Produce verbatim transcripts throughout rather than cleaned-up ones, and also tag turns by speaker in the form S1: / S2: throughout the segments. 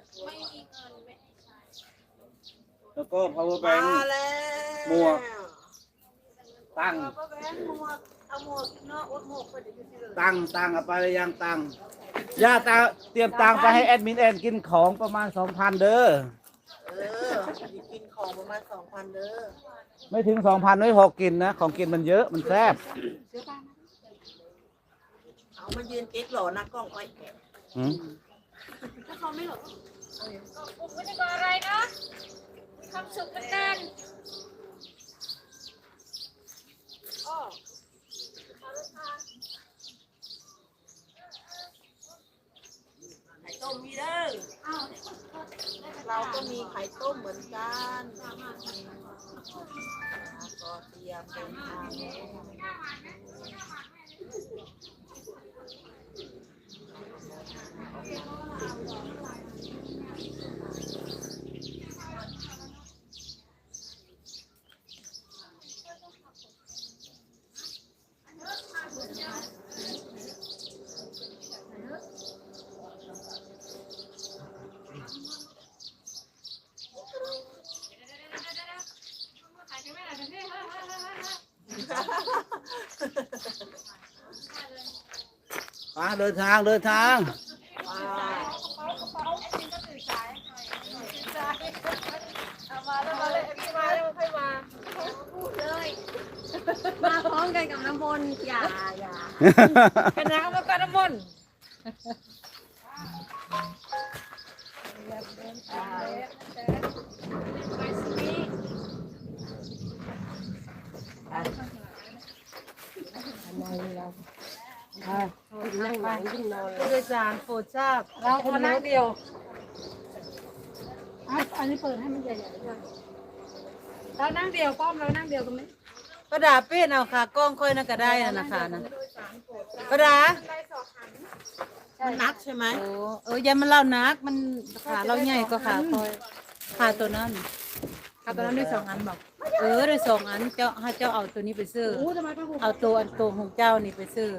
S1: ไม่มีเงินไม่ให้ใช้
S2: แล้วก็ power
S3: มา
S2: bank
S3: แล้ว
S2: หมวกตั้ง
S3: power bank หมวกเอาหมวกเนาะอดหมวกไปเดี๋ยวจะเลย
S2: ตังค์ตังค์เอาไปหรือยังตังค์ย่าตาเตรียมตังค์ไปให้แอดมินแอนกินของประมาณสองพันเด้อ
S3: เออกินของประมาณสองพันเด้อ
S2: ไม่ถึงสองพันไม่พอกินนะของกินมันเยอะมันแซ่บ
S3: เอามายืนเก๊กหล่อนะกล้องไว้
S2: อืม
S1: ถ้าเขาไม่หลบก็ไม่ได้ก่ออะไรนะมีความสุขกันแน่นอ้อ
S3: ไข่ต้มมีเด้อ
S1: อ้าว
S3: เราก็มีไข่ต้มเหมือนกันก็เตรียมเป็นทาง
S2: มาเดินทางเดินทาง
S1: เอามาแล้วมาเลยพี่มาแล้วค่อยมาพูดเลย มาพร้อมกันกับน้ำมนต์อย่าอย่าเป็นน้ำแล้วก็น้ำมนต์นั่งหลังขึ้นนอนผู้โดยสารโปรดทราบเราคนนั่งเดียวอันนี้เปิดให้มันใหญ่ๆด้วยเรานั่งเดียวป้อมเรานั่งเดียวกันไหม
S3: กระดาษเป็นเอาค่ะกล้องค่อยน่าก็ได้นะนะคะนะกระดาษมันนักใช่ไหมโอ้เออยันมันเล่านักมันขาเราใหญ่ก็ขาคอยขาตัวนั้นขาตัวนั้นด้วยสองอันบอกเออด้วยสองอันเจ้าให้เจ้าเอาตัวนี้ไปซื้อเอาตัวอันตัวของเจ้านี่ไปซื้อ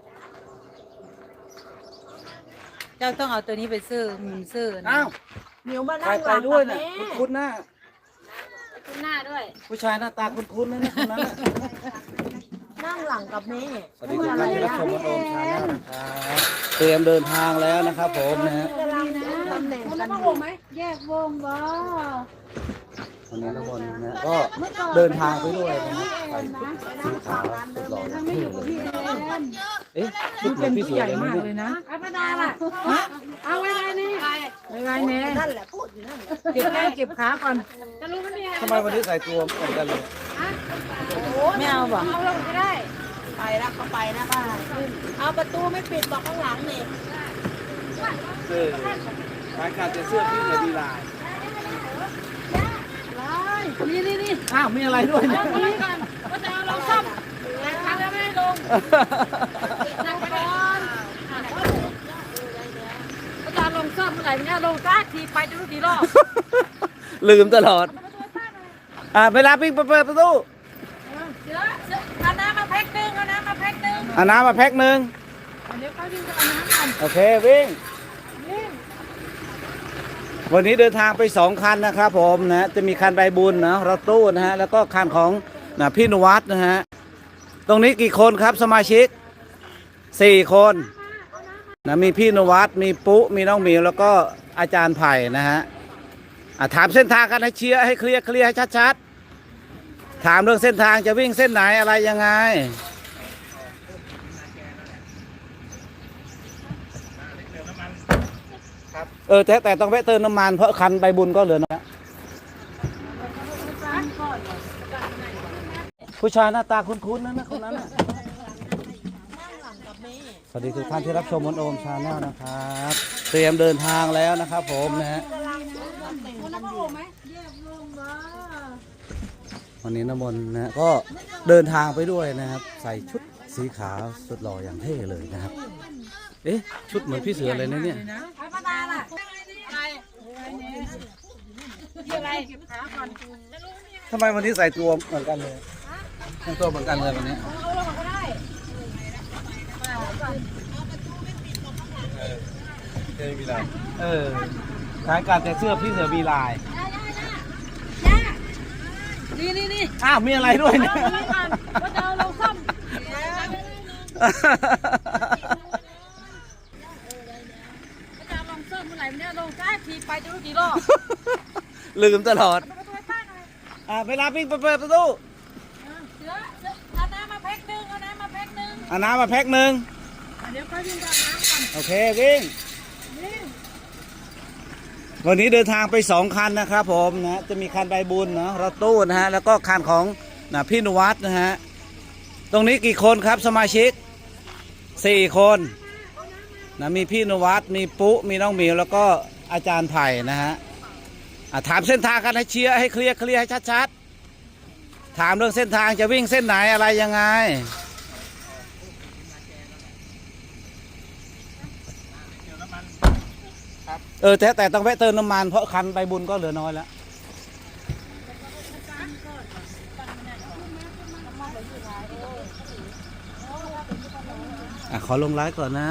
S3: เจ้าต้องเอาตัวนี้ไปซื้อหมุนซื้อนะ
S2: อ้าว
S3: เหนียวมา
S2: ใคร
S3: นั่งห
S2: ไป
S3: ลัง
S2: ด้วย
S3: กับ
S2: น่ะ
S3: แม่
S2: คุ้นๆหน้า
S1: ขึ้นหน้าด้วย
S2: ผู้ชายหน้าตาคุ้นๆนะเนี่ยคนนั้นน่ะ
S3: นั่งหลังกับแม่
S2: สวัสดีทุกท่านที่รับชมวันโอมชาแนลนะครับเตรียมเดินทางแล้วนะครับผมนะฮะ
S3: ตำแหน่ง
S1: คน
S3: กั
S1: ละ
S3: น
S1: ผ้า
S3: อ
S1: ห่
S3: ยู่
S1: มไหมแยกวงบ่
S2: วันนี้ทุกคนนะก็เดินทางไปด้วยนะฮะใส่ชุดสีขาวสุดหล่อเท่เลย
S1: พี่แอน
S2: เอ๊ะชุดเหมือนพี่เสือเลยนะเนี่ย
S1: อัปดาล่ะเอาไว้ไว้นี่
S3: ไงแน่นั่นแหละพูดอยู่นั่นแหละ
S1: เก็บแข้งเก็บขาก่อนจะรู้มันมีอะไร
S2: ทำไมวันนี้ใส่ตัวเหมือนกันเลย
S3: ไม่เอาบอก
S1: เอาลงก็ได้
S3: ไปแล้วเขาไปนะป้าเอาประตูไม่ปิดบอกข้างหลังนี่
S2: เออรายการจะเสื้อพี่เลยดีลาย
S1: นี่นี่นี่
S2: อ้าวมีอะไรด้วยเนี่ย
S1: เอาลงก่อนก็จะเอาลงซ่อมแต่ครั้งแล้วไม่ให้ลงนั่งก่อนก็จะลงซ่อมเมื่อไหร่เนี่ยลงซากทีไปดูทีรอบ
S2: ลืมตลอดอ่าเวลาปิ้งเปิดประตู
S1: เสือเสือเอาน้ำมาแพ็คนึงเอาน้ำมาแพ็คนึง
S2: เอาน้ำมาแพ็คหนึ่ง
S1: เดี๋ยวเขาดึงจะเอาน้ำก่อน
S2: โอเควิ่งวันนี้เดินทางไปสองคันนะครับผมนะจะมีคันใบบุญนะรถตู้นะฮะแล้วก็คันของนะพี่นวัดนะฮะตรงนี้กี่คนครับสมาชิกสี่คนนะมีพี่นวัดมีปุ๊มีน้องหมิวแล้วก็อาจารย์ไผ่นะฮะอ่ะถามเส้นทางกันให้เชียร์ให้เคลียร์เคลียร์ให้ชัดๆถามเรื่องเส้นทางจะวิ่งเส้นไหนอะไรยังไงเออแต่แต่ต้องแวะเติมน้ำมันเพราะคันใบบุญก็เหลือนะผู้ชายหน้าตาคุ้นๆนั่นนะคนนั้นน่ะสวัสดีทุกท่านที่รับชมวันโอมชาแนลนะครับเตรียมเดินทางแล้วนะครับผมนะฮะวันนี้น้ำมนต์นะก็เดินทางไปด้วยนะครับใส่ชุดสีขาวสุดหล่ออย่างเท่เลยนะครับเอ๊ะชุดเหมือนพี่เสือเลยนะเนี่ย
S1: อัปดาล่ะอะไรอะไรเก็บขาก่อน
S2: ทำไมวันนี้ใส่ตัวเหมือนกันเลยแต่งตัวเหมือนกันเลยวันนี้
S1: เอาลงก็ได้
S2: เออขายการแต่เสื้อพี่เสือมีลาย
S3: นี่นี่นี่
S2: อ้าวมีอะไรด้วยเนี่ย
S3: ว่าจะเอาเราซ่อม จะลองเสิร์ฟเมื่อไหร่เนี่ยลงจ้าทีไปจะรู้กี่รอบ
S2: ลืมตลอดอ่าเวลาปิ้งเปิดประตู
S3: เสือเอาน้ำมาแพ็คหนึ่งเอาน้ำมาแพ็คหนึ่ง
S2: เอาน้ำมาแพ็คหนึ่ง
S3: เดี๋ยวค่อยวิ่งกับน้ำก่อน
S2: โอเควิ่งวันนี้เดินทางไปสองคันนะครับผมนะจะมีคันใบบุญนะรถตู้นะฮะแล้วก็คันของนะพี่นวัดนะฮะตรงนี้กี่คนครับสมาชิกสี่คนนะมีพี่นวัดมีปุ๊มีน้องหมิวแล้วก็อาจารย์ไผ่นะฮะอ่ะถามเส้นทางกันให้เชียร์ให้เคลียร์เคลียร์ให้ชัดๆถามเรื่องเส้นทางจะวิ่งเส้นไหนอะไรยังไงเออแต่แต่ต้องแวะเติมน้ำมันเพราะคันใบบุญก็เหลือน้อยแล้วอ่ะขอลงไลฟ์ก่อนนะ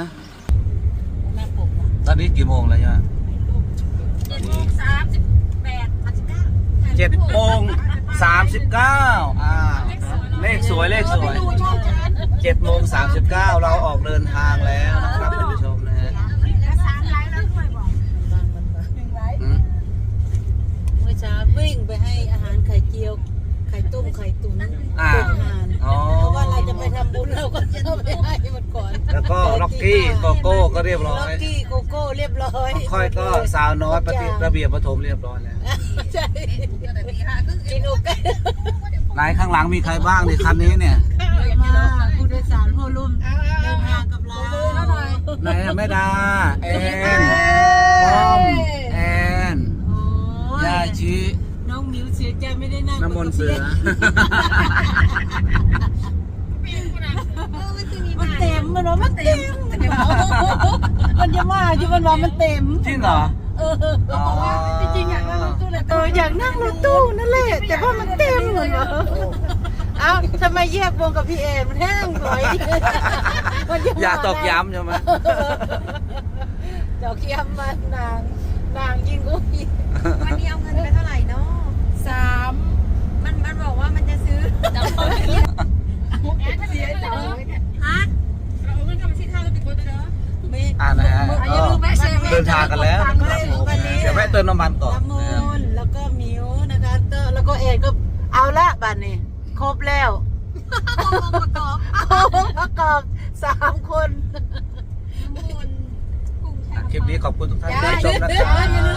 S2: ตอนนี้กี่โมงแล้วเนี่ย
S3: เจ็ดโมงสามสิบแปดสามสิบเก้า
S2: เจ็ดโมงสามสิบเก้าอ่าเลขสวยเลขสวยเจ็ดโมงสามสิบเก้าเราออกเดินทางแล้วนะครับท่านผู้ชมนะฮะ
S3: แล้วสามไลน์แล้วด้วยบอก
S2: อืม
S3: เมื่อเช้าวิ่งไปให้อาหารไข่เจียวไข่ต้มไข่ตุ๋น
S2: อ่า
S3: เป็นอาหาร
S2: อ๋อ
S3: เพราะว่าเราจะไปทำบุญเราก็จะเอาไปให้มันก่อน
S2: แล้วก็ล็อกกี้โกโก้ก็เรียบร้อ
S3: ล็อก
S2: ย
S3: กี้โกโก้เรียบร้อย
S2: ค่อยก็สาวน้อยปฏิระเบียบประถมเรียบร้อยแล้ว
S3: ใช่กินโอเค
S2: ไหนข้างหลังมีใครบ้างในคันนี้เนี่ย
S3: มาผู้โดยสารผู้รุ่มเดินทางกับเรา
S2: ไหนอะแม่ดาแอนพอมแอน
S3: โอ้ย
S2: ยาชิ
S3: น้องมิวเสียใจไม่ได้นั่ง
S2: น้ำมนต์เสือ
S3: มันเต็มมันว่ามันเต็มมันจะมาอยู่มันว่ามันเต็ม
S2: จริงเหรอ
S3: เออจริงๆอยากนั่งรถตู้เลยเอออยากนั่งรถตู้นั่นแหละแต่ว่ามันเต็มเลยเอ้าทำไมแยกวงกับพี่เอ็นมันแห้งหน่อย
S2: อย่าตอกย้ำใช่ไหม
S3: ดอกเคียมมันนางนางยิงกูอีก
S1: วันนี้เอาเงินไปเท่าไหร่เนาะ
S3: สาม
S1: มันมันบอกว่ามันจะซื้อ
S3: แอนเสียใจ
S1: ฮะ
S3: เราเอาเงินกลับมาที่ท่าแล้วติดโบตัวเด้อไม่
S2: อ่านะฮะ
S3: อย่าลืมแม่เซเว่น
S2: เดินทางกันแล้วนะครับผม
S3: วันนี้
S2: เดี๋ยวแวะเติมน้ำมันก่อน
S3: น้ำมนต์แล้วก็มิวนะคะเตอร์แล้วก็เอ็นก็เอาละบัดนี้ครบแล้วองค์ประกอบองค์ประกอบสามคน
S2: คลิปนี้ขอบคุณทุกท่านที่รับชมนะครับ